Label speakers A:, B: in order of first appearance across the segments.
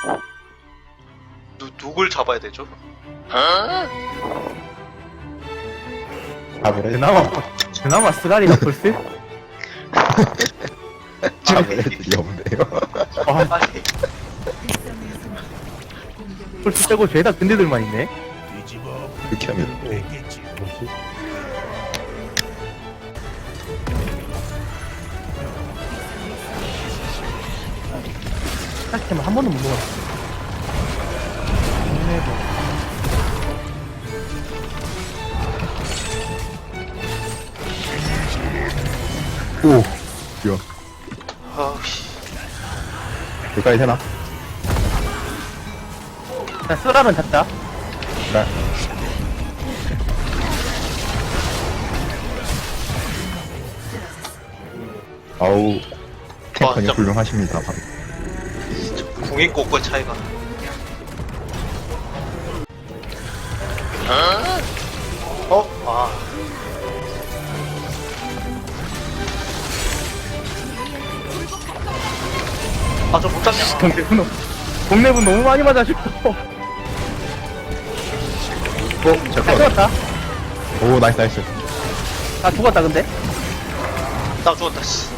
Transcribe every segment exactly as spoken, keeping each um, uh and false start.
A: 누, 누굴 잡아야 되죠?
B: 아무래도
C: 그나마 그나마 스가리가 풀스?
B: 아무래도 없네요.
C: 아
A: 아니
C: 풀스 빼고 죄다 근데들만 있네.
B: 이렇게 하면
D: 뭐지?
C: 사실 한 번도 못 먹었어.
B: 오 이거
A: 아우씨
B: 여기까지 되나?
C: 자, 쓰라면 잡자.
B: 네. 아우 탱커님
A: 진짜.
B: 훌륭하십니다.
A: 궁인 꽃과 차이가 어? 아 아, 저 못 잡냐?
C: 동네분, 동네분 너무 많이 맞아주고.
B: 어
C: 잘
B: 잠깐.
C: 죽었다.
B: 오 나이스 나이스.
C: 아, 죽었다, 근데.
A: 나 죽었다, 씨.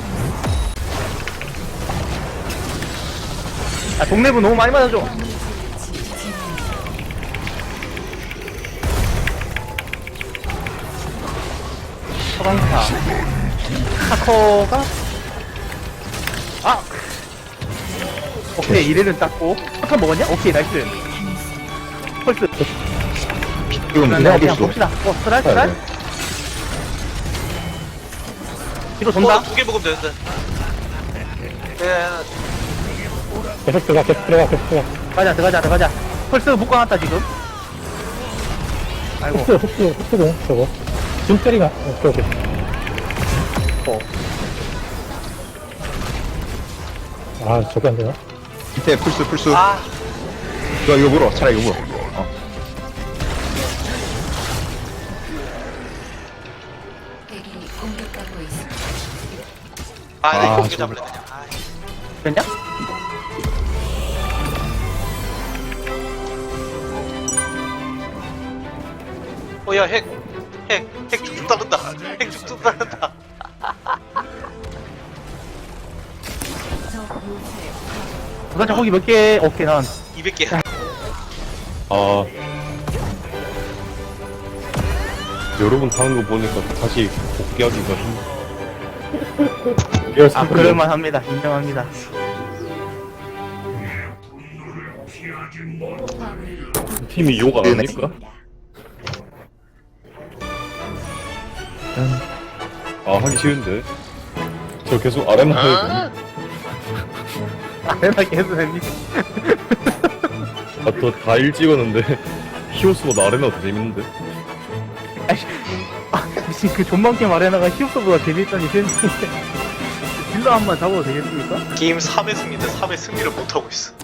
C: 아, 동네분 너무 많이 맞아줘. 서강사. 타코가. 아! 오케이, 이래는 땄고. 타코 먹었냐? 오케이, 나이스. 펄스.
B: 지금
C: 그냥
B: 내가
C: 그냥
B: 볼수
C: 봅시다. 어, 스랄, 스랄? 뒤로 돈다.
A: 어, 두개 먹으면 되는데. 예,
D: 계속 들어가, 계속 들어가, 계속 들어가.
C: 가자, 들어가자, 들어가자. 펄스 묶어놨다, 지금. 아이고.
D: 흡수, 흡수, 흡수도, 저거. 준짜리가, 오케이, 오케이.
C: 어.
D: 아, 저게 안 되나?
B: 밑에 풀스 풀스.
A: 아,
B: 이거 이거 물어. 차라리 이거 물어. 어.
E: 敵に攻撃がごいす
A: 아, 나
B: 아,
A: 이거 두개
B: 저거.
A: 잡을래, 그냥. 아,
C: 됐냐?
A: 어, 야, 핵, 핵, 핵 쭉쭉 따른다. 핵 쭉쭉 따른다.
C: 부산자 고기 몇 개? 오케이, 난.
A: 이백 개.
D: 아. 여러분 하는 거 보니까 다시 복귀하기가 힘.
C: 아, 그럴만 합니다. 인정합니다.
D: 팀이 욕 안 합니까? 아, 하기 쉬운데. 저 계속 아레나 해야 돼.
C: 아레나게 해도 됩니다.
D: 아, 저 다 일 찍었는데. 히오스보다 아레나 더 재밌는데.
C: 아이씨. 아, 미친 그 존망게임 아레나가 히옵스보다 재밌다니 세상에. 딜러 한 번 잡아도 되겠습니까?
A: 게임 삼 회 승리인데 삼 회 승리를 못하고 있어.